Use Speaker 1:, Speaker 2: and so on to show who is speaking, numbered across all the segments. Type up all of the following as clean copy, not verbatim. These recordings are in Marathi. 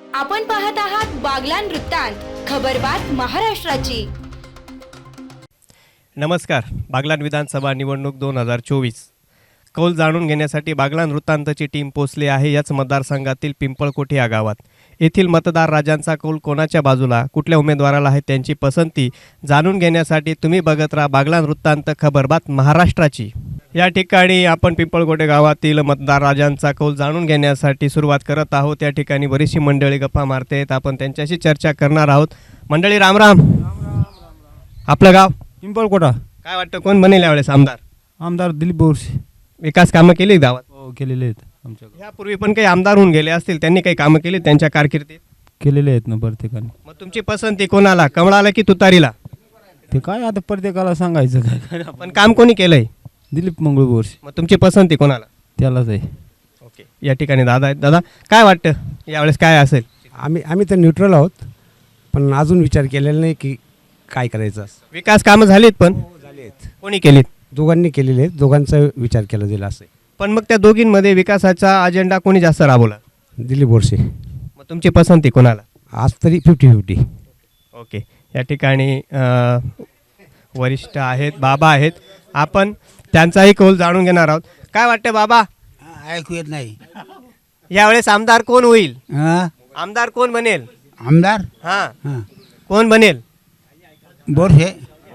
Speaker 1: आपण पाहत आहात बागलान वृत्तांत, खबरबात महाराष्ट्राची.
Speaker 2: नमस्कार. बागलान विधानसभा निवडणूक 2024 कौल जाणून घेण्यासाठी बागलान वृत्तांतची टीम पोहोचली आहे. याच मतदारसंघातील पिंपळकोठी या गावात येथील मतदार राजांचा कौल कोणाच्या बाजूला, कुठल्या उमेदवाराला आहे, त्यांची पसंती जाणून घेण्यासाठी तुम्ही बघत राहा बागलान वृत्तांत, खबरबात महाराष्ट्राची. या ठिकाणी आपण पिंपळकोटे गावातील मतदार राजांचा कौल जाणून घेण्यासाठी सुरुवात करत आहोत. त्या ठिकाणी बरीचशी मंडळी गप्पा मारते आहेत. आपण त्यांच्याशी चर्चा करणार आहोत. मंडळी रामराम. आपलं गाव
Speaker 3: पिंपळकोटा.
Speaker 2: काय वाटतं कोण बनेल यावेळेस आमदार?
Speaker 3: आमदार दिलीप बोरसे.
Speaker 2: विकास कामं केली गावात?
Speaker 3: हो, केलेले आहेत आमच्या
Speaker 2: यापूर्वी पण काही आमदार होऊन गेले असतील, त्यांनी काही कामं केली त्यांच्या कारकिर्दीत?
Speaker 3: केलेले आहेत ना प्रत्येकाने.
Speaker 2: मग तुमची पसंती कोणाला, कमळाला की तुतारीला?
Speaker 3: ते काय आता प्रत्येकाला सांगायचं काय.
Speaker 2: पण काम कोणी केलंय?
Speaker 3: दिलीप मंगळ बोरसे.
Speaker 2: मग तुमची पसंती कोणाला?
Speaker 3: त्यालाच आहे.
Speaker 2: ओके. या ठिकाणी दादा आहेत. दादा, काय वाटतं यावेळेस काय असेल?
Speaker 4: आम्ही तर न्यूट्रल आहोत, पण अजून विचार केलेला नाही की काय करायचं.
Speaker 2: विकास कामं झालीत पण
Speaker 4: झाले आहेत,
Speaker 2: कोणी केलीत?
Speaker 4: दोघांनी केलेले आहेत, दोघांचा विचार केला जाईल असं आहे.
Speaker 2: पण मग त्या दोघींमध्ये विकासाचा अजेंडा कोणी जास्त राबवला?
Speaker 4: दिलीप बोरसे.
Speaker 2: मग तुमची पसंती कोणाला?
Speaker 4: आज तरी 50-50.
Speaker 2: ओके. या ठिकाणी वरिष्ठ आहेत, बाबा आहेत. आपण त्यांचाही कौल जाणून घेणार आहोत. काय वाटतं बाबा,
Speaker 5: ऐकू येत नाही.
Speaker 2: यावेळेस आमदार कोण होईल?
Speaker 5: हा?
Speaker 2: आमदार कोण बनेल?
Speaker 5: आमदार
Speaker 2: हां,
Speaker 5: हा.
Speaker 2: कोण बनेल?
Speaker 5: बोरसे.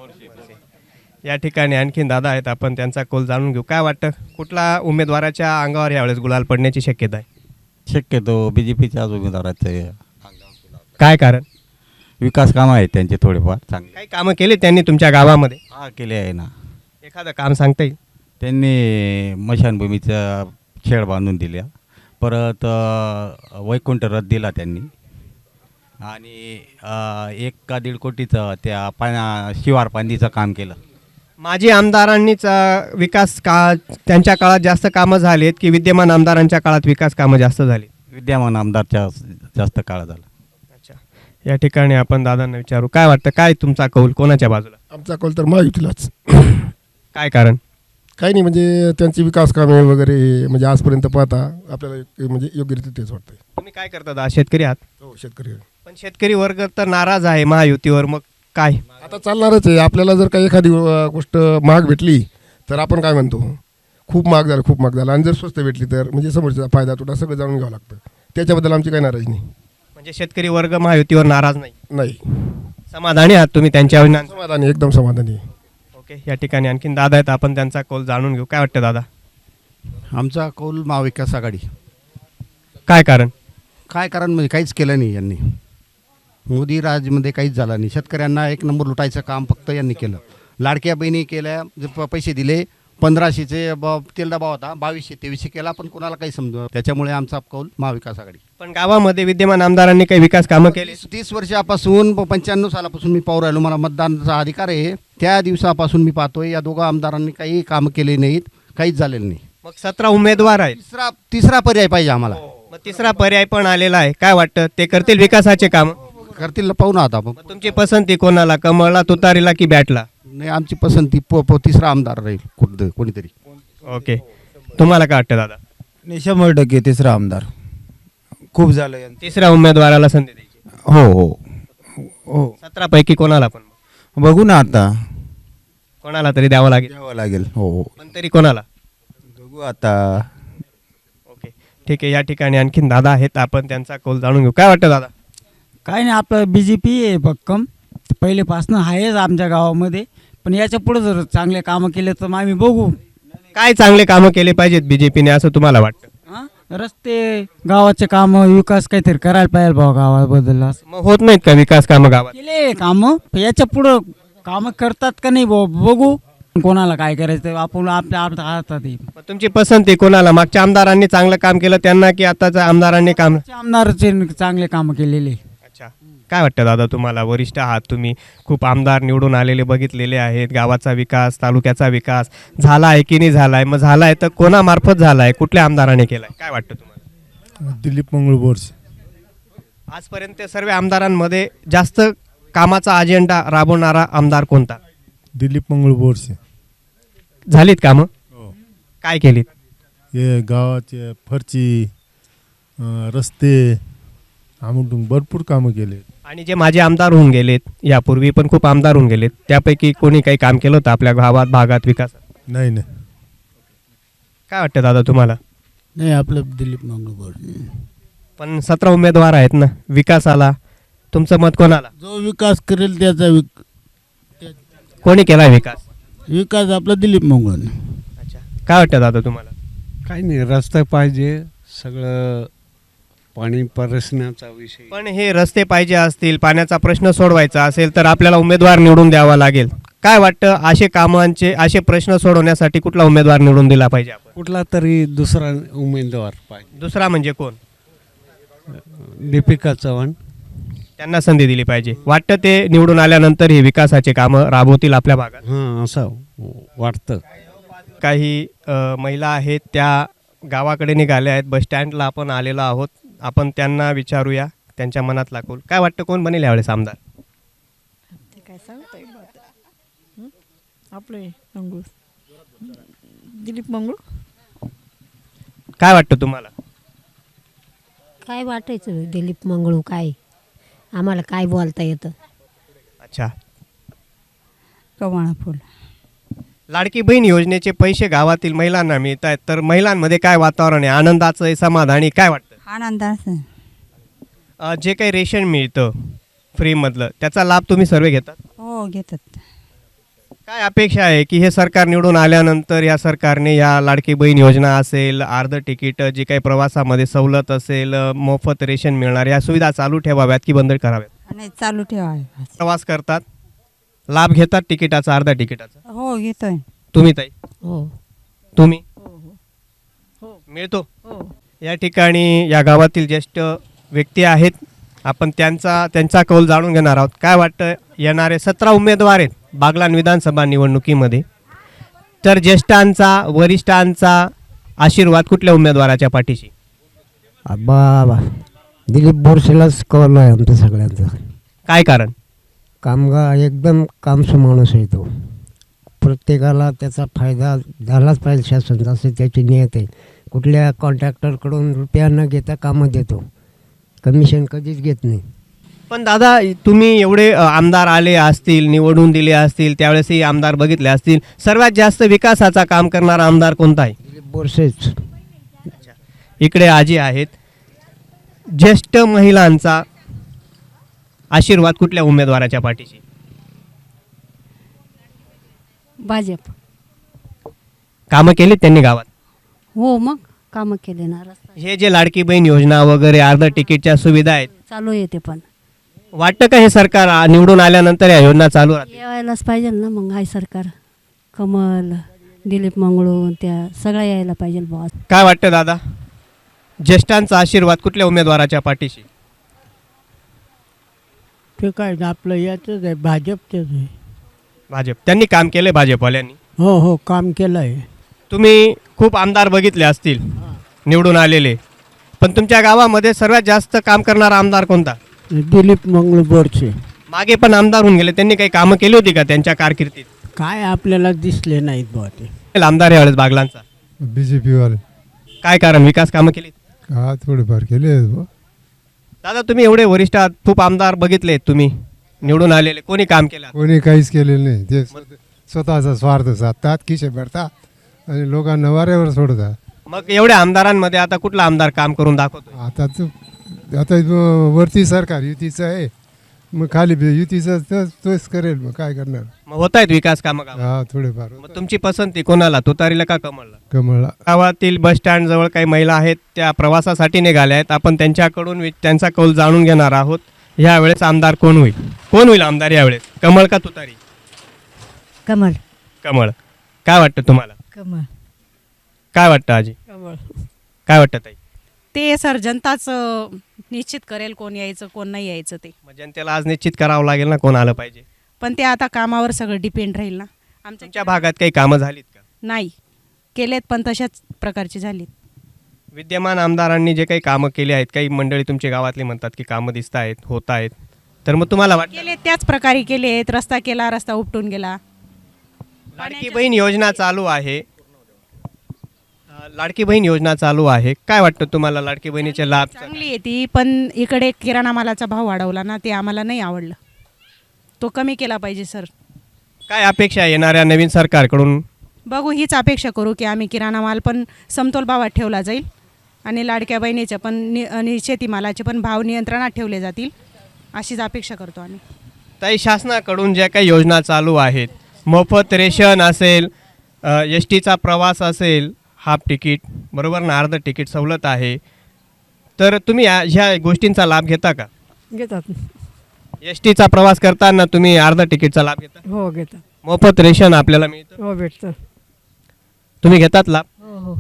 Speaker 2: या ठिकाणी आणखीन दादा आहेत. आपण त्यांचा कौल जाणून घेऊ. काय वाटतं कुठला उमेदवाराच्या अंगावर यावेळेस गुलाल पडण्याची शक्यता आहे?
Speaker 6: शक्यतो बीजेपीच्याच उमेदवाराचे.
Speaker 2: काय कारण?
Speaker 6: विकास कामं आहेत त्यांचे थोडेफार चांगले.
Speaker 2: काही कामं केली त्यांनी तुमच्या गावामध्ये?
Speaker 6: हा, केले आहे ना.
Speaker 2: एखादं काम सांगता येईल?
Speaker 6: त्यांनी मशानभूमीचा छेड बांधून दिल्या, परत वैकुंठ रथ दिला त्यांनी, आणि 1-1.5 कोटीचं त्या शिवार पांदीचं काम केलं.
Speaker 2: माजी आमदारांनीच विकास त्यांच्या काळात जास्त कामं झाली आहेत की विद्यमान आमदारांच्या काळात विकास कामं जास्त झाली?
Speaker 6: विद्यमान आमदारच्या जास्त काळ झाला.
Speaker 2: अच्छा. या ठिकाणी आपण दादांना विचारू. काय वाटतं, काय तुमचा कौल कोणाच्या बाजूला?
Speaker 7: आमचा कौल तर महायुतीलाच.
Speaker 2: काय कारण?
Speaker 7: काही नाही, म्हणजे त्यांची विकास कामे वगैरे म्हणजे आजपर्यंत पाहता आपल्याला म्हणजे योग्यरीत्या तेच वाटतंय.
Speaker 2: तुम्ही काय करता दादा? शेतकरी आहात?
Speaker 7: हो, शेतकरी आहे.
Speaker 2: पण शेतकरी वर्ग तर नाराज आहे महायुतीवर. मग काय
Speaker 7: आता चालणारच आहे. आपल्याला जर काही एखादी गोष्ट महाग भेटली तर आपण काय म्हणतो, खूप महाग झालं, खूप महाग झालं. आणि जर स्वस्त भेटली तर म्हणजे समोरचा फायदा तोटा सगळं जाणून घ्यावं लागतं. त्याच्याबद्दल आमची काही नाराजी नाही.
Speaker 2: म्हणजे शेतकरी वर्ग महायुतीवर नाराज नाही?
Speaker 7: नाही,
Speaker 2: समाधानी आहात तुम्ही त्यांच्या?
Speaker 7: समाधानी, एकदम समाधानी.
Speaker 2: ओके. या ठिकाणी आणखीन दादा आहेत. आपण त्यांचा कौल जाणून घेऊ. काय वाटतं दादा?
Speaker 8: आमचा कौल महाविकास आघाडी.
Speaker 2: काय कारण?
Speaker 8: काय कारण म्हणजे काहीच केलं नाही यांनी. मोदी राजमध्ये काहीच झालं नाही. शेतकऱ्यांना एक नंबर लुटायचं काम फक्त यांनी केलं. लाडक्या बहिणी केल्या, पैसे दिले. 1500चे तेल डबा होता, 2200-2300 केला, पण कोणाला काही समजलं. त्याच्यामुळे आमचा कौल महाविकास आघाडी.
Speaker 2: पण गावामध्ये विद्यमान आमदारांनी काही विकास कामं केली?
Speaker 8: 30 वर्षापासून 95 सालापासून मी पाहू राहिलो. मला मतदानाचा अधिकार आहे. त्या दिवसापासून मी पाहतोय या दोघा आमदारांनी काही कामं केले नाहीत, काहीच झालेलं नाही.
Speaker 2: मग 17 उमेदवार आहेत.
Speaker 8: तिसरा पर्याय पाहिजे आम्हाला.
Speaker 2: मग तिसरा पर्याय पण आलेला आहे. काय वाटतं, ते करतील विकासाचे काम?
Speaker 8: करतील, पाहू ना आता.
Speaker 2: मग तुमची पसंती कोणाला, कमळला, तुतारीला की बॅटला?
Speaker 8: नाही, आमची पसंती तिसरा आमदार राहील कोणीतरी.
Speaker 2: ओके. तुम्हाला काय वाटतं दादा?
Speaker 3: 100% तिसरा आमदार. खूप झालं यांचं.
Speaker 2: तिसऱ्या उमेदवाराला संधी द्यायची?
Speaker 3: हो हो हो.
Speaker 2: 17 पैकी कोणाला पण?
Speaker 3: बघू ना आता.
Speaker 2: कोणाला तरी द्यावं लागेल.
Speaker 3: द्यावं लागेल. हो हो,
Speaker 2: पण तरी कोणाला?
Speaker 3: बघू आता.
Speaker 2: ओके, ठीक आहे. या ठिकाणी आणखीन दादा आहेत. आपण त्यांचा कौल जाणून घेऊ. काय वाटतं दादा?
Speaker 9: काय नाही, आपलं BJP आहे भक्कम, पहिलेपासून आहेच आमच्या गावामध्ये. पण याच्या पुढे जर चांगले कामं केले तर मग आम्ही बघू.
Speaker 2: काय चांगले कामं केले पाहिजेत बीजेपीने असं तुम्हाला वाटतं?
Speaker 9: हां, रस्ते, गावाचे कामं, विकास काहीतरी करायला पाहिजे भाऊ गावाबद्दल. असं
Speaker 2: मग होत नाहीत का विकास कामं गावात?
Speaker 9: केले कामं, पण याच्या पुढं कामं करतात का नाही भाऊ, बघू. कोणाला काय करायचं आपण आपल्या हातात आहे.
Speaker 2: मग तुमची पसंती कोणाला? मागच्या आमदारांनी चांगलं काम केलं त्यांना की आताच्या आमदारांनी काम?
Speaker 9: आमदारचे चांगले कामं केलेले.
Speaker 2: अच्छा. काय वाटतं दादा तुम्हाला? वरिष्ठ आहात तुम्ही, खूप आमदार निवडून आलेले बघितलेले आहेत. गावाचा विकास, तालुक्याचा विकास झाला आहे की नाही झाला आहे? मग झाला आहे तर कोणामार्फत झाला आहे, कुठल्या आमदाराने केला आहे? काय वाटतं तुम्हाला?
Speaker 7: दिलीप मंगळ बोरसे.
Speaker 2: आजपर्यंत सर्व आमदारांमध्ये जास्त कामाचा अजेंडा राबवणारा आमदार कोणता?
Speaker 7: दिलीप मंगळ बोरसे.
Speaker 2: झालीत कामं? काय केलीत?
Speaker 7: हे गावाचे फरची, रस्ते
Speaker 10: आमटून भरपूर कामं केले.
Speaker 2: आणि जे माझे आमदार होऊन गेलेत, यापूर्वी पण खूप आमदार होऊन गेलेत, त्यापैकी कोणी काही काम केलं होतं आपल्या गावात भागात विकासात?
Speaker 10: नाही नाही
Speaker 2: काय वाटतं दादा तुम्हाला?
Speaker 5: नाही आपलं दिलीप मंगळूर.
Speaker 2: पण 17 उमेदवार आहेत ना, विकासाला तुमचं मत कोणाला?
Speaker 5: जो विकास करेल त्याचा
Speaker 2: कोणी केला विकास?
Speaker 5: विकास आपला दिलीप मंगळूर.
Speaker 2: अच्छा, काय वाटतं दादा तुम्हाला?
Speaker 4: काही नाही, रस्ता पाहिजे, सगळं पाणी प्रश्नाचा विषय.
Speaker 2: पण हे रस्ते पाहिजे असतील, पाण्याचा प्रश्न सोडवायचा असेल तर आपल्याला उमेदवार निवडून द्यावा लागेल. काय वाटतं, असे कामांचे असे प्रश्न सोडवण्यासाठी कुठला उमेदवार निवडून दिला पाहिजे आपण?
Speaker 4: कुठला तरी दुसरा उमेदवार पाहिजे.
Speaker 2: दुसरा म्हणजे कोण?
Speaker 4: दीपिका चव्हाण.
Speaker 2: त्यांना संधी दिली पाहिजे. वाटतं ते निवडून आल्यानंतर हे विकासाचे कामं राबवतील आपल्या भागात?
Speaker 4: हां, असं वाटतं.
Speaker 2: काही महिला आहेत, त्या गावाकडे निघाल्या आहेत. बसस्टँडला आपण आलेलो आहोत. आपण त्यांना विचारूया त्यांच्या मनातला कौल. काय वाटतं, कोण बनेल यावेळेस आमदार?
Speaker 11: ते काय सांगता येईल आपले मंगळूर, दिलीप मंगळूर.
Speaker 2: काय वाटतं तुम्हाला?
Speaker 12: काय वाटायचं दिलीप मंगळू, काय आम्हाला काय बोलता येतं.
Speaker 2: अच्छा,
Speaker 11: कवाळा फुल.
Speaker 2: लाडकी बहीण योजनेचे पैसे गावातील महिलांना मिळत आहेत, तर महिलांमध्ये काय वातावरण आहे? आनंदाचं आहे, समाधानी? काय वाटतं?
Speaker 11: आनंदाचं.
Speaker 2: जे काही रेशन मिळतं फ्रीमधलं, त्याचा लाभ तुम्ही सर्व घेतात?
Speaker 11: हो घेतात.
Speaker 2: काय अपेक्षा आहे की हे सरकार निवडून आल्यानंतर या सरकारने या लाडकी बहीण योजना असेल, अर्ध तिकीट, जे काही प्रवासामध्ये सवलत असेल, मोफत रेशन मिळणार, या सुविधा चालू ठेवाव्यात की बंद कराव्यात?
Speaker 11: नाही, चालू ठेवावे.
Speaker 2: प्रवास करतात, लाभ घेतात तिकिटाचा, अर्ध्या तिकिटाचा?
Speaker 11: हो घेतोय.
Speaker 2: तुम्ही ताई?
Speaker 12: हो
Speaker 2: तुम्ही?
Speaker 11: हो
Speaker 2: मिळतो?
Speaker 11: हो.
Speaker 2: या ठिकाणी या गावातील ज्येष्ठ व्यक्ती आहेत, आपण त्यांचा कौल जाणून घेणार आहोत. काय वाटतं, येणारे 17 उमेदवार आहेत बागलाण विधानसभा निवडणुकीमध्ये, तर ज्येष्ठांचा, वरिष्ठांचा आशीर्वाद कुठल्या उमेदवाराच्या पाठीशी?
Speaker 9: बाबा दिलीप बोरसेलाच कौल आहे आमचं सगळ्यांचं.
Speaker 2: काय कारण?
Speaker 9: कामगार एकदम कामसू माणूस आहे तो. प्रत्येकाला त्याचा फायदा झालाच पाहिजे, शासन असे त्याची नियत आहे. कुठल्या कॉन्ट्रॅक्टरकडून रुपया न घेता कामं देतो, कमिशन कधीच घेत नाही.
Speaker 2: पण दादा, तुम्ही एवढे आमदार आले असतील, निवडून दिले असतील, त्यावेळेसही आमदार बघितले असतील, सर्वात जास्त विकासाचा काम करणारा आमदार कोणता आहे?
Speaker 9: दिलीप बोरसेच.
Speaker 2: इकडे आजी आहेत. ज्येष्ठ महिलांचा आशीर्वाद कुठल्या उमेदवाराच्या पाठीशी?
Speaker 12: भाजप.
Speaker 2: कामं केली त्यांनी गावात?
Speaker 12: हो मग कामं केले ना, रस्ता
Speaker 2: हे जे लाडकी बहीण योजना वगैरे, अर्ध तिकीटच्या सुविधा आहेत,
Speaker 12: चालू येते. पण
Speaker 2: वाटतं का हे सरकार निवडून आल्यानंतर या योजना चालू राहतील?
Speaker 12: यायलाच पाहिजे ना मग. हाय सरकार, कमल, दिलीप मंगळू, त्या सगळ्या यायला पाहिजे बॉस.
Speaker 2: काय वाटतं दादा, ज्येष्ठांचा आशीर्वाद कुठल्या उमेदवाराच्या पाठीशी?
Speaker 11: ते काय आपलं याचंच आहे, भाजपचंच आहे.
Speaker 2: भाजप. त्यांनी काम केले भाजपवाल्यांनी?
Speaker 11: हो हो काम केलं आहे.
Speaker 2: तुम्ही खूप आमदार बघितले असतील निवडून आलेले, पण तुमच्या गावामध्ये सर्वात जास्त काम करणारा आमदार कोणता?
Speaker 11: दिलीप मंगळूर बोरसे.
Speaker 2: मागे पण आमदार होऊन गेले, त्यांनी काही कामं केली होती का त्यांच्या कारकिर्दीत?
Speaker 11: काय आपल्याला दिसले नाहीत बुवा ते.
Speaker 2: आमदार यावेळेस बागलांचा
Speaker 10: BJP वाले
Speaker 2: काय कारण, विकास कामं केली?
Speaker 10: हा थोडेफार केले.
Speaker 2: दादा, तुम्ही एवढे वरिष्ठ आहात, खूप आमदार बघितले तुम्ही निवडून आलेले, कोणी काम केलं?
Speaker 10: कोणी काहीच केलेलं नाही. ते स्वतःचा स्वार्थ साधतात, खिशे भरतात आणि लोकांना वाऱ्यावर सोडतात.
Speaker 2: मग एवढ्या आमदारांमध्ये आता कुठला आमदार काम करून दाखवतो?
Speaker 10: आता वरती सरकार युतीचं आहे, मग खाली युतीचं तोच करेल. मग काय करणार?
Speaker 2: मग होत आहेत विकास कामं गावात?
Speaker 10: हा थोडेफार.
Speaker 2: मग तुमची पसंती कोणाला, तुतारीला का कमळला?
Speaker 10: कमळला.
Speaker 2: गावातील बस स्टँड जवळ काही महिला आहेत, त्या प्रवासासाठी निघाल्या आहेत. आपण त्यांच्याकडून त्यांचा कौल जाणून घेणार आहोत. यावेळेस आमदार कोण होईल? कोण होईल आमदार यावेळेस, कमळ का तुतारी?
Speaker 12: कमल.
Speaker 2: कमळ. काय वाटतं तुम्हाला?
Speaker 11: कमल.
Speaker 2: काय वाटतं आजी?
Speaker 11: कमळ.
Speaker 2: काय वाटतं ताई?
Speaker 13: ते सर जनताच निश्चित करेल कोण यायचं कोण नाही यायचं ते.
Speaker 2: मग जनतेला आज निश्चित करावं लागेल ना कोण आलं पाहिजे.
Speaker 13: पण ते आता कामावर सगळं डिपेंड राहील ना.
Speaker 2: तुमच्या भागात काही कामं झालीत का?
Speaker 13: नाही केलेत, पण तशाच प्रकारची झालीत.
Speaker 2: विद्यमान आमदारांनी जे काही कामं केली आहेत, काही मंडळी तुमच्या गावातली म्हणतात की कामं दिसत आहेत, होत आहेत, तर मग तुम्हाला वाटतं?
Speaker 13: केले त्याच प्रकारे केलेत. रस्ता केला, रस्ता उपटून गेला.
Speaker 2: लाडकी बहीण योजना चालू आहे, लाडकी बहीण योजना चालू आहे, काय वाटतं तुम्हाला लाडकी बहिणीचे लाभ?
Speaker 13: चांगली आहे ती, पण इकडे किराणा मालाचा भाव वाढवला ना, ते आम्हाला नाही आवडलं. तो कमी केला पाहिजे सर.
Speaker 2: काय अपेक्षा आहे येणाऱ्या नवीन सरकारकडून?
Speaker 13: बघू, हीच अपेक्षा करू की आम्ही किराणा माल पण समतोल भावात ठेवला जाईल आणि लाडक्या बहिणीचे पण आणि शेतीमालाचे पण भाव नियंत्रणात ठेवले जातील, अशीच अपेक्षा करतो आम्ही.
Speaker 2: ताई, शासनाकडून ज्या काही योजना चालू आहेत, मोफत रेशन असेल, एस टीचा प्रवास असेल, हाफ तिकीट बरोबर ना, अर्ध तिकीट सवलत आहे, तर तुम्ही ह्या गोष्टींचा लाभ घेता का?
Speaker 11: घेतात.
Speaker 2: एस टीचा प्रवास करताना तुम्ही अर्ध तिकीटचा लाभ घेता?
Speaker 11: हो घेतात.
Speaker 2: मोफत रेशन आपल्याला मिळतं?
Speaker 11: हो भेटतं.
Speaker 2: तुम्ही घेतात लाभ?
Speaker 11: हो हो.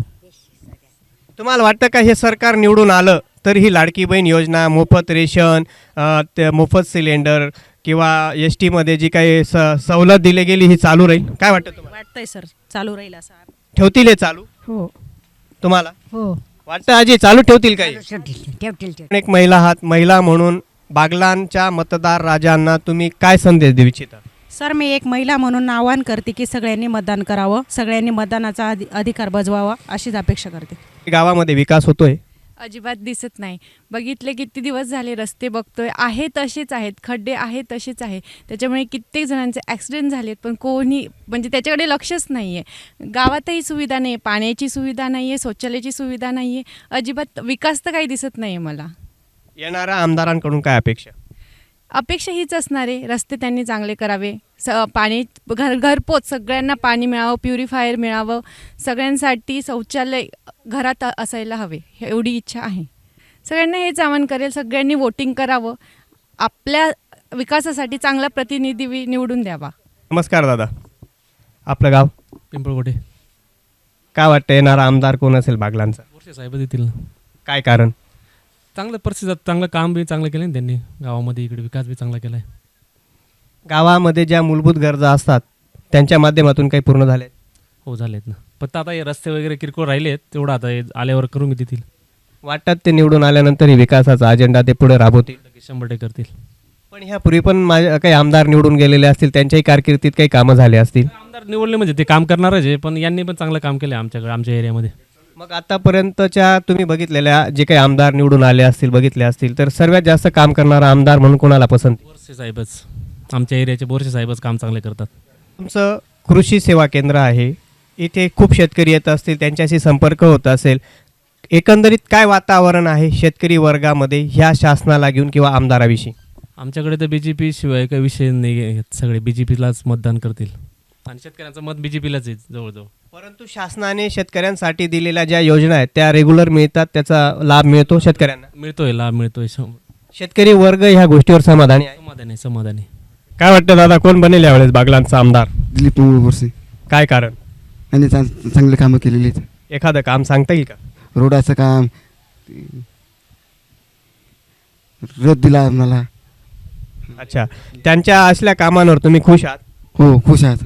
Speaker 2: तुम्हाला वाटतं का हे सरकार निवडून आलं तर ही लाडकी बहीण योजना, मोफत रेशन, ते मोफत सिलेंडर किंवा एस टीमध्ये जी काही सवलत दिली गेली ही चालू राहील? काय वाटतं तुम्हाला?
Speaker 13: वाटतंय सर चालू राहील असं.
Speaker 2: ठेवतील हे चालू?
Speaker 11: हो
Speaker 2: तुम्हाला
Speaker 11: हो.
Speaker 2: वाटतं आजी चालू ठेवतील काही?
Speaker 11: ठेवतील.
Speaker 2: एक महिला आहात, महिला म्हणून बागलांच्या मतदार राजांना तुम्ही काय संदेश देऊ इच्छिता?
Speaker 13: सर, मी एक महिला म्हणून आवाहन करते की सगळ्यांनी मतदान करावं, सगळ्यांनी मतदानाचा अधिकार बजवावा, अशीच अपेक्षा करते.
Speaker 2: गावामध्ये विकास होतोय?
Speaker 14: अजिबात दिसत नाही. बघितले किती दिवस झाले, रस्ते बघतोय आहे तसेच आहेत, खड्डे आहेत तसेच आहे. त्याच्यामुळे कित्येक जणांचे ॲक्सिडेंट झालेत, पण कोणी म्हणजे त्याच्याकडे लक्षच नाही आहे. गावातही सुविधा नाही, पाण्याची सुविधा नाही आहे, शौचालयाची सुविधा नाही आहे, अजिबात विकास तर काही दिसत नाही आहे मला.
Speaker 2: येणाऱ्या आमदारांकडून काय अपेक्षा?
Speaker 14: अपेक्षा हीच असणार आहे, रस्ते त्यांनी चांगले करावे, पाणी घरपोच सगळ्यांना पाणी मिळावं, प्युरिफायर मिळावं, सगळ्यांसाठी शौचालय घरात असायला हवे, एवढी इच्छा आहे. सगळ्यांना हेच आवाहन करेल, सगळ्यांनी वोटिंग करावं, आपल्या विकासासाठी चांगला प्रतिनिधी निवडून द्यावा.
Speaker 2: नमस्कार दादा, आपलं गाव?
Speaker 15: पिंपळकोटे.
Speaker 2: काय वाटतं येणारा आमदार कोण असेल बागलांचा?
Speaker 15: बोरसे साहेब देतील.
Speaker 2: काय कारण?
Speaker 15: चांगलं परिस्थितीत चांगलं काम बी चांगलं केलं ना त्यांनी, गावामध्ये इकडे विकास बी चांगला केला आहे.
Speaker 2: गावामध्ये ज्या मूलभूत गरजा असतात त्यांच्या माध्यमातून काही पूर्ण झाले?
Speaker 15: हो झालेत ना, फक्त आता हे रस्ते वगैरे किरकोळ राहिले आहेत, तेवढं आता हे आल्यावर करून देतील.
Speaker 2: वाटतात ते निवडून आल्यानंतर ही विकासाचा अजेंडा ते पुढे राबवतील?
Speaker 15: 100% करतील.
Speaker 2: पण ह्यापूर्वी पण काही आमदार निवडून गेलेले असतील, त्यांच्याही कारकिर्दीत काही कामं झाले असतील?
Speaker 15: आमदार निवडले म्हणजे ते काम करणारच आहे, पण यांनी पण चांगलं काम केलं आहे आमच्या एरियामध्ये.
Speaker 2: मग आतापर्यंतच्या तुम्ही बघितलेल्या जे काही आमदार निवडून आले असतील, बघितले असतील, तर सर्वात जास्त काम करणारा आमदार म्हणून कोणाला पसंत?
Speaker 15: बोरसे साहेबच, आमच्या एरियाचे बोरसे साहेबच काम चांगले करतात.
Speaker 2: तुमचं कृषी सेवा केंद्र आहे, इथे खूप शेतकरी येत असतील, त्यांच्याशी संपर्क होत असेल, एकंदरीत काय वातावरण आहे शेतकरी वर्गामध्ये ह्या शासनाला घेऊन किंवा आमदाराविषयी?
Speaker 15: आमच्याकडे तर BJP शिवाय काही विषय नाही, सगळे BJPलाच मतदान करतील आणि शेतकऱ्यांचं मत BJPलाच आहे जवळजवळ.
Speaker 2: परंतु शासनाने शेतकऱ्यांसाठी दिलेल्या ज्या योजना आहेत त्या रेग्युलर मिळतात, त्याचा लाभ मिळतो शेतकऱ्यांना?
Speaker 15: मिळतोय, लाभ मिळतोय.
Speaker 2: शेतकरी वर्ग ह्या गोष्टीवर समाधानी आहे?
Speaker 15: समाधानी.
Speaker 2: काय वाटतं दादा, कोण बनेल यावेळेस बागलांचा आमदार?
Speaker 3: दिलीप मंगळ बोरसे.
Speaker 2: काय कारण?
Speaker 3: त्यांनी चांगले कामं केलेली आहेत.
Speaker 2: एखादं काम सांगता येईल का?
Speaker 3: रोडाचं काम, रथ दिला आम्हाला.
Speaker 2: अच्छा, त्यांच्या असल्या कामांवर तुम्ही खुश आहात?
Speaker 3: हो, खुश आहात.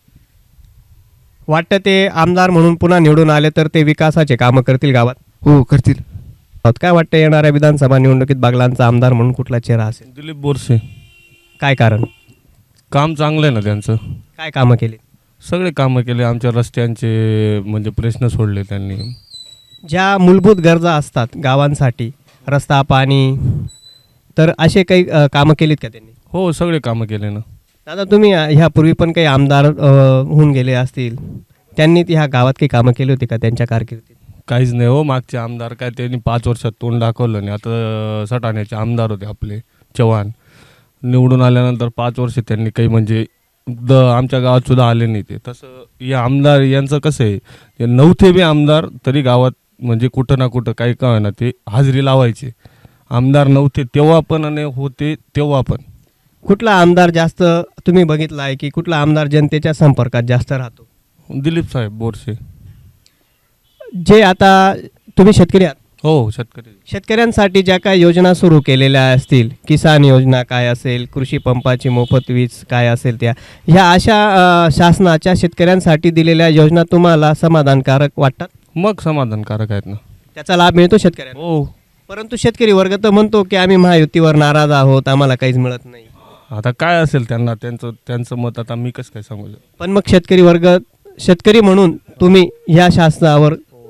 Speaker 2: वाटतं ते आमदार म्हणून पुन्हा निवडून आले तर ते विकासाचे कामं करतील गावात?
Speaker 3: हो, करतील.
Speaker 2: काय वाटतं येणाऱ्या विधानसभा निवडणुकीत बागलांचा आमदार म्हणून कुठला चेहरा असेल?
Speaker 15: दिलीप बोरसे.
Speaker 2: काय कारण?
Speaker 15: काम चांगलं आहे ना त्यांचं.
Speaker 2: काय कामं केली?
Speaker 15: सगळे कामं केले, आमच्या रस्त्यांचे म्हणजे प्रश्न सोडले त्यांनी.
Speaker 2: ज्या मूलभूत गरजा असतात गावांसाठी, रस्ता, पाणी, तर असे काही कामं केलीत का त्यांनी?
Speaker 15: हो, सगळे कामं केले ना.
Speaker 2: दादा, तुम्ही ह्यापूर्वी पण काही आमदार होऊन गेले असतील, त्यांनी ह्या गावात काही कामं केली होती का त्यांच्या कारकिर्दीत?
Speaker 15: काहीच नाही हो, मागचे आमदार काय त्यांनी 5 वर्षात तोंड दाखवलं नाही. आता सटाण्याचे आमदार होते आपले चव्हाण, निवडून आल्यानंतर 5 वर्ष त्यांनी काही म्हणजे आमच्या गावात सुद्धा आले नाही ते. तसं या आमदार यांचं कसं आहे, ते नव्हते बी आमदार तरी गावात म्हणजे कुठं ना कुठं काही का ना ते हाजरी लावायचे. आमदार नव्हते तेव्हा पण आणि होते तेव्हा पण.
Speaker 2: कुठला आमदार जास्त तुम्ही बघितला आहे की कुठला आमदार जनतेच्या संपर्कात जास्त राहतो?
Speaker 15: दिलीप साहेब बोरसे.
Speaker 2: जे आता तुम्ही शेतकरी आहात?
Speaker 15: हो, शेतकरी.
Speaker 2: शेतकऱ्यांसाठी ज्या काही योजना सुरू केलेल्या असतील, किसान योजना काय असेल, कृषी पंपाची मोफत वीज काय असेल, ह्या अशा शासनाच्या शेतकऱ्यांसाठी दिलेल्या योजना तुम्हाला समाधानकारक वाटतात?
Speaker 15: मग समाधानकारक आहेत ना,
Speaker 2: त्याचा लाभ मिळतो शेतकऱ्यांना?
Speaker 15: हो.
Speaker 2: परंतु शेतकरी वर्ग तर म्हणतो की आम्ही महायुतीवर नाराज आहोत, आम्हाला काहीच मिळत नाही.
Speaker 15: आता काय असेल त्यांना, त्यांचं मत आता मी कसं काय सांगू?
Speaker 2: पण मग शेतकरी वर्ग, शेतकरी म्हणून तुम्ही ह्या शासनावर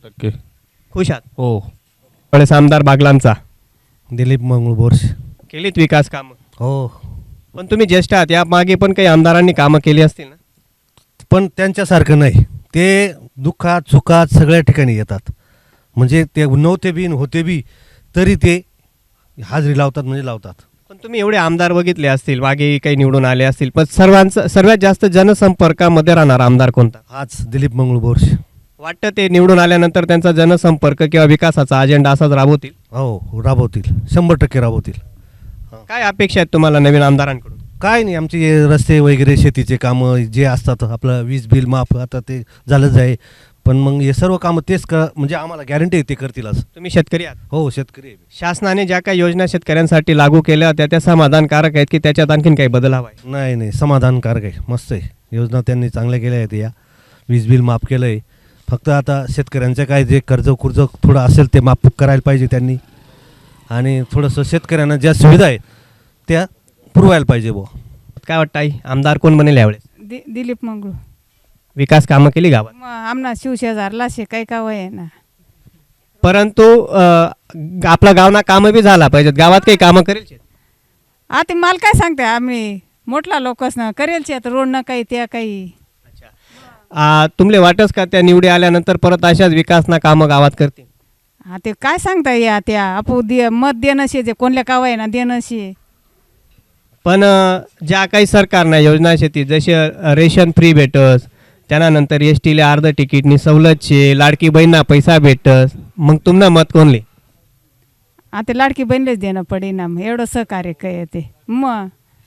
Speaker 15: 100%
Speaker 2: खुश आहात?
Speaker 15: हो.
Speaker 2: वेळेस आमदार बागलांचा
Speaker 16: दिलीप मंगळ बोरसे.
Speaker 2: केलीत विकास कामं?
Speaker 16: हो.
Speaker 2: पण तुम्ही ज्येष्ठ आहात, या मागे पण काही आमदारांनी कामं केली असतील ना?
Speaker 16: पण त्यांच्यासारखं नाही. ते दुःखात सुखात सगळ्या ठिकाणी येतात. म्हणजे ते नव्हते बी होते बी तरी ते हाजरी लावतात म्हणजे लावतात.
Speaker 2: पण तुम्ही एवढे आमदार बघितले असतील, मागे काही निवडून आले असतील, पण सर्वात जास्त जनसंपर्कामध्ये राहणारा आमदार कोणता?
Speaker 16: हाच दिलीप मंगळ बोरसे.
Speaker 2: वाटतं ते निवडून आल्यानंतर त्यांचा जनसंपर्क किंवा विकासाचा अजेंडा असाच राबवतील?
Speaker 16: हो, राबवतील, 100% राबवतील.
Speaker 2: काय अपेक्षा आहेत तुम्हाला नवीन आमदारांकडून?
Speaker 16: काय नाही, आमचे हे रस्ते वगैरे शेतीचे कामं जे असतात, आपलं वीज बिल माफ आता ते झालंच आहे. पण मग हे सर्व कामं तेच म्हणजे आम्हाला गॅरंटी आहे ते करतीलच.
Speaker 2: तुम्ही शेतकरी आहात?
Speaker 16: हो, शेतकरी आहे.
Speaker 2: शासनाने ज्या काही योजना शेतकऱ्यांसाठी लागू केल्या होत्या त्या समाधानकारक आहेत की त्याच्यात आणखीन काही बदल हवा आहे?
Speaker 16: नाही, समाधानकारक आहे, मस्त आहे. योजना त्यांनी चांगल्या केल्या आहेत. या वीज बिल माफ केलं आहे. फक्त आता शेतकऱ्यांचं काय जे कर्ज थोडं असेल ते माफ करायला पाहिजे त्यांनी. आणि थोडंसं शेतकऱ्यांना ज्या सुविधा आहेत त्या पुरवायला पाहिजे बुवा.
Speaker 2: काय वाटतं आई, आमदार कोण बनेल यावेळेस?
Speaker 11: दिलीप मंगळू.
Speaker 2: विकास कामं केली गावात?
Speaker 11: मग आमना शिवशेजारला शे काही का वय ना.
Speaker 2: परंतु आपला गावना कामं बी झाला पाहिजेत. गावात काही कामं करेल?
Speaker 11: आता मला काय सांगते, आम्ही मोठला लोकच ना करेल शे, रोड ना काही त्या काही.
Speaker 2: तुमले वाटस का त्या निवडी आल्यानंतर परत अशाच विकासना कामं गावात करतील?
Speaker 11: हा ते काय सांगता या त्या आपू मत देणं शे, जे कोणल्या का वय ना देणं शे.
Speaker 2: पण ज्या काही सरकारनं योजना शेती जसे रेशन फ्री भेटस, त्यानंतर एस टीला अर्ध तिकीटनी सवलत शे, लाडकी बहीणना पैसा भेटस, मग तुम्हाला मत कोणले?
Speaker 11: आता लाडकी बहिणीलाच देणं पडे ना, एवढं सहकार्य काय ते. मग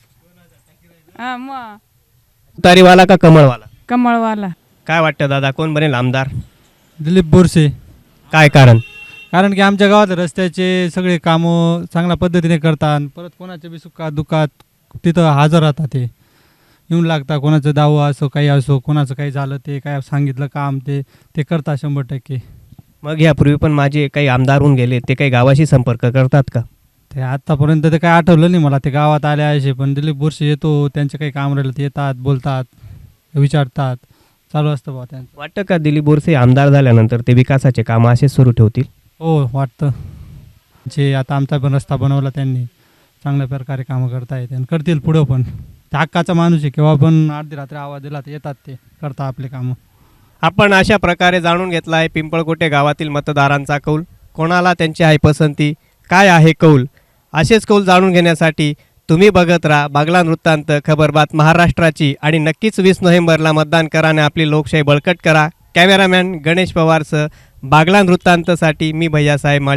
Speaker 2: तारीवाला का कमळवाला?
Speaker 11: कमळवाला.
Speaker 2: काय वाटतं दादा, कोण बनेल आमदार?
Speaker 17: दिलीप बोरसे.
Speaker 2: काय कारण?
Speaker 17: कारण की आमच्या गावात रस्त्याचे सगळे कामं चांगल्या पद्धतीने करतात. परत कोणाच्या बी सुखात दुःखात तिथं हजर राहतात. ते येऊन लागतात. कोणाचं दाव असो काही असो, कोणाचं काही झालं ते काय सांगितलं काम ते करतात 100%.
Speaker 2: मग यापूर्वी पण माझे काही आमदार होऊन गेले, ते काही गावाशी संपर्क करतात का?
Speaker 17: ते आत्तापर्यंत ते काय आठवलं नाही मला. ते गावात आले आहे पण दिलीप बोरसे येतो, त्यांचे काही काम राहिलं ते येतात, बोलतात, विचारतात, चालू असतं बा त्यांचं.
Speaker 2: वाटतं का दिलीप बोरसे आमदार झाल्यानंतर ते विकासाचे कामं असेच सुरू ठेवतील?
Speaker 17: हो, वाटतं. जे आता आमचा पण रस्ता बनवला त्यांनी, चांगल्या प्रकारे कामं करतायत आणि करतील पुढं पण. ते हक्काचा माणूस आहे, केव्हा पण अर्धी रात्री आवाज दिला तर येतात, ते करतात आपले कामं.
Speaker 2: आपण अशा प्रकारे जाणून घेतला आहे पिंपळकोटे गावातील मतदारांचा कौल. कोणाला त्यांची आहे पसंती, काय आहे कौल, असेच कौल जाणून घेण्यासाठी तुम्ही बघत राहा बागलान वृत्तांत, खबरबात महाराष्ट्राची. आणि नक्कीच 20 नोव्हेंबरला मतदान करा आणि आपली लोकशाही बळकट करा. कॅमेरामॅन गणेश पवारसह बागलान वृत्तांतसाठी मी भैयासाहेब माळी.